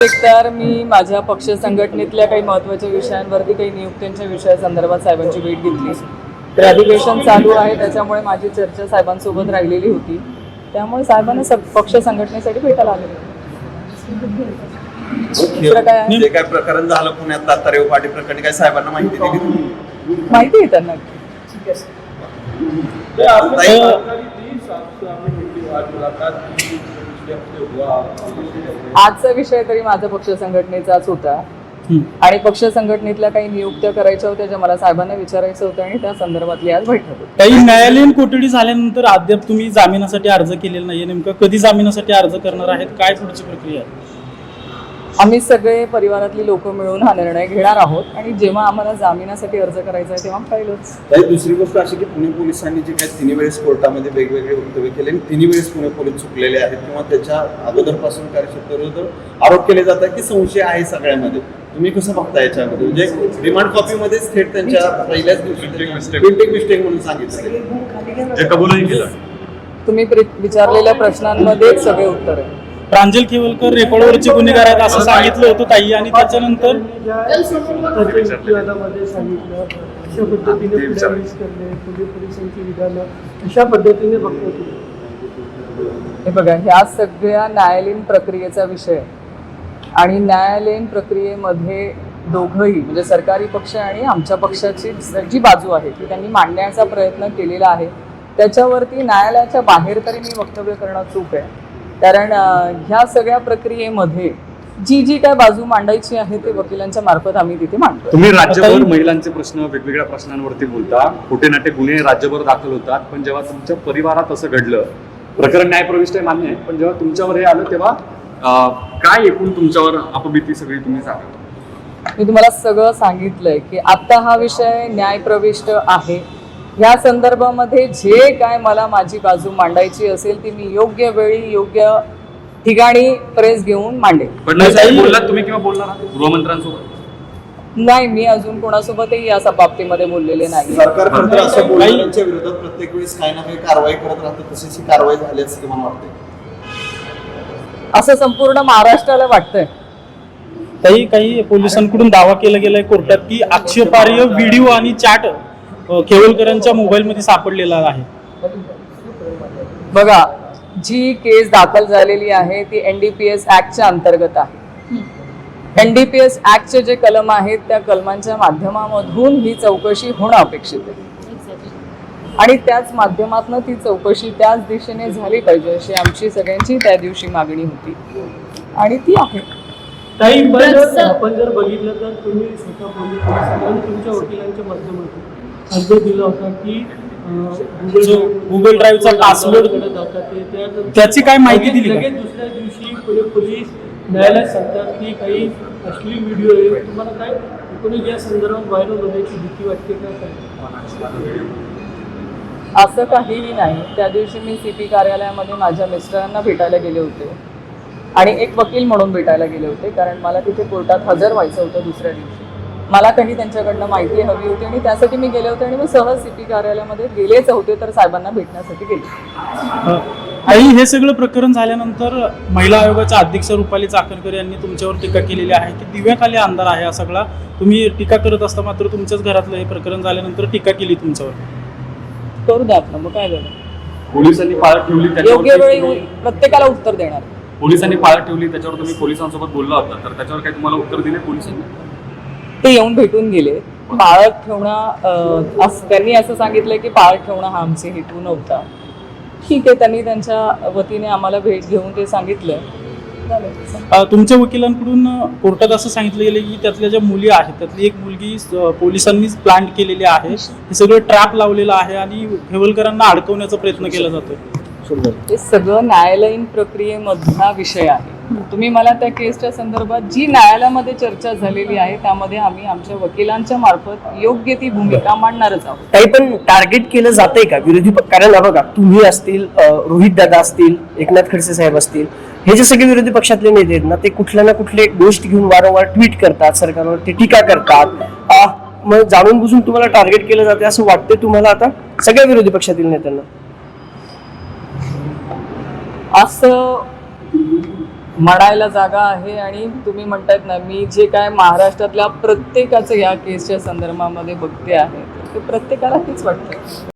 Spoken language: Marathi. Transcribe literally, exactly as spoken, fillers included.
तर मी माझ्या पक्ष संघटनेतल्या काही महत्त्वाच्या विषयांवरती काही नियुक्त्यांच्या विषयासंदर्भात साहेबांची भेट घेतली. तर अधिवेशन चालू आहे त्याच्यामुळे माझी चर्चा साहेबांसोबत राहिलेली होती. त्यामुळे साहेबांना सब पक्ष संघटनेसाठी भेटायला आले. काय जे काय प्रकरण झालं पुण्यात तातारेव पाटी प्रकरणी काय साहेबांना माहिती दिली? माहिती आहे त्यांना. आजचा विषय तरी माझा पक्ष संघटनेचाच होता आणि पक्ष संघटनेतल्या काही नियुक्त्या करायच्या होत्या ज्या मला साहेबांना विचारायचं होतं आणि त्या संदर्भातली आज बैठक होती. काही न्यायालयीन कोठडी झाल्यानंतर अद्याप तुम्ही जामिनासाठी अर्ज केलेला नाहीये. नेमकं कधी जामिनासाठी अर्ज करणार आहेत? काय पुढची प्रक्रिया आहे? आम्ही सगळे परिवारातली लोक मिळून हा निर्णय घेणार आहोत आणि जेव्हा आम्हाला जामिनासाठी अर्ज करायचा आहे तेव्हा पाहिलंच. काही दुसरी गोष्ट अशी की पुणे पोलिसांनी जे काही तिन्ही वेळेस कोर्टामध्ये वेगवेगळे वक्तव्य केले आणि तिन्ही वेळेस पुणे पोलीस चुकलेले आहेत किंवा त्याच्या अगोदरपासून कार्यक्षेत्राविरुद्ध आरोप केले जातात की संशय आहे सगळ्यामध्ये. तुम्ही कसं बघता याच्यामध्ये? म्हणजे रिमांड कॉपीमध्येच थेट त्यांच्या पहिल्याच दिवशी प्रिंटिंग मिस्टेक म्हणून सांगितलं, जे कबूलही केलं. तुम्ही विचारलेल्या प्रश्नांमध्येच सगळे उत्तर आहे. प्रांजल खेवलकर रेकॉर्डवरचे गुन्हेगार आहेत असं सांगितलं होतं ताई आणि त्याच्यानंतर अशा पद्धतीने हे बघा, ह्या सगळ्या न्यायालयीन प्रक्रियेचा विषय आणि न्यायालयीन प्रक्रियेमध्ये दोघंही म्हणजे सरकारी पक्ष आणि आमच्या पक्षाची जी बाजू आहे ती त्यांनी मांडण्याचा प्रयत्न केलेला आहे. त्याच्यावरती न्यायालयाच्या बाहेर तरी मी वक्तव्य करणं चूक आहे. कारण ह्या सगळ्या प्रक्रियेमध्ये जी जी काय बाजू मांडायची आहे ते वकिलांच्या मार्फत आम्ही तिथे मांडतो. तुम्ही राज्यभर महिलांचे प्रश्न वेगवेगळ्या प्रश्नांवरती बोलता, खोटे नाटे गुन्हे राज्यभर दाखल होतात, पण जेव्हा तुमच्या परिवारात असं घडलं, प्रकरण न्यायप्रविष्ट आहे मान्य आहे, पण जेव्हा तुमच्यावर हे आलं तेव्हा काय एकूण तुमच्यावर अपभीती सगळी तुम्ही सांगा? मी तुम्हाला सगळं सांगितलंय की आता हा विषय न्यायप्रविष्ट आहे. या संदर्भामध्ये जे काय मला माझी बाजू मांडायची असेल ती मी योग्य वेळी योग्य ठिकाणी प्रेस घेऊन मांडेल. बोललात तुम्ही किंवा बोलणार गृहमंत्र्यांसोबत? नाही, मी अजून कोणासोबतही या बाबतीमध्ये बोललेले नाही. सरकार असं बोलण्याच्या विरोधात प्रत्येक वेळेस काही ना काही कारवाई करत राहतं, तशीच ही कारवाई झाली असं मला वाटते. असं संपूर्ण महाराष्ट्राला वाटतंय. काही काही पोलिसांकडून दावा केला गेलाय कोर्टात की आक्षेपार्ह व्हिडिओ आणि चॅट खेवलकरांच्या मोबाईलमध्ये सापडलेला आहे. बघा, जी केस दाखल झालेली आहे ती एनडीपीएस ऍक्टच्या अंतर्गत आहे. एनडीपीएस ऍक्टचे जे कलम आहेत त्या कलमांच्या माध्यमामधून ही चौकशी होणं अपेक्षित आहे आणि त्याच माध्यमातून ती चौकशी त्याच दिशेने झाली पाहिजे अशी आमची सगळ्यांची त्या दिवशी मागणी होती आणि ती आहे. आपण जर बघितलं तर तुम्ही स्वतः पोलिसांनी तुमच्या वकिलांच्या माध्यमातून अर्ज दिला होता की गुगल ड्राईव्हचा पासवर्ड त्याची काय माहिती दिली? लगेच दुसऱ्या दिवशी पुणे पोलीस न्यायालयात सांगतात की काही अश्लील व्हिडिओ आहे. तुम्हाला काय एकूणच या संदर्भात व्हायरल होण्याची भीती वाटते का? असं काहीही नाही. त्या दिवशी मी सीपी कार्यालयामध्ये माझ्या मिस्टरांना भेटायला गेले होते आणि एक वकील म्हणून भेटायला गेले होते कारण मला तिथे कोर्टात हजर व्हायचं होतं दुसऱ्या दिवशी. मला काही त्यांच्याकडनं माहिती हवी होती आणि त्यासाठी मी गेले होते आणि मी सहज सीपी कार्यालयामध्ये गेलेच होते तर साहेबांना भेटण्यासाठी गेले. आई, हे सगळं प्रकरण झाल्यानंतर महिला आयोगाच्या अध्यक्ष रुपाली चाकणकर यांनी तुमच्यावर टीका केलेली आहे की दिव्याखाली अंधार आहे हा सगळा. तुम्ही टीका करत असता मात्र तुमच्याच घरातलं हे प्रकरण झाल्यानंतर टीका केली तुमच्यावर. करू द्या आपलं, मग काय झालं? पोलिसांनी पाळत ठेवली, योग्य वेळी प्रत्येकाला उत्तर देणार. पोलिसांनी पाळत ठेवली त्याच्यावर तुम्ही पोलिसांसोबत बोलला होता, तर त्याच्यावर काही तुम्हाला उत्तर दिले पोलिसांनी? ते येऊन भेटून गेले. पाळत ठेवणं त्यांनी असं सांगितलं की पाळत ठेवणं हा आमचे हेतू नव्हता. ठीक आहे, त्यांनी त्यांच्या वतीने आम्हाला भेट घेऊन ते सांगितलं. तुमच्या वकिलांकडून कोर्टात असं सांगितलं गेलं की त्यातल्या ज्या मुली आहेत त्यातली एक मुलगी पोलिसांनीच प्लांट केलेली आहे, हे सगळं ट्रॅप लावलेलं आहे आणि खेवलकरांना अडकवण्याचा प्रयत्न केला जातो. हे सगळं न्यायालयीन प्रक्रियेमधला विषय आहे. तुम्ही मला त्या केसच्या संदर्भात जी न्यायालयामध्ये चर्चा झालेली आहे त्यामध्ये आम्ही आमच्या वकिलांच्या मार्फत योग्य ती भूमिका मांडणारच आहोत. काही पण टार्गेट केलं जातंय का विरोधी पक्ष? कारण बघा, तुम्ही असतील, रोहित दादा असतील, एकनाथ खडसे साहेब असतील, हे जे सगळे विरोधी पक्षातले नेते आहेत ना ते कुठल्या ना कुठले गोष्ट घेऊन वारंवार ट्विट करतात, सरकारवर ते टीका करतात. मग जाणून बुजून तुम्हाला टार्गेट केलं जाते असं वाटतंय तुम्हाला आता सगळ्या विरोधी पक्षातील नेत्यांना? असं म्हणायला जागा आहे. आणि तुम्ही म्हणतायत ना, मी जे काय महाराष्ट्रातल्या प्रत्येकाचं या केसच्या संदर्भामध्ये बघते आहे ते प्रत्येकाला हेच वाटतं.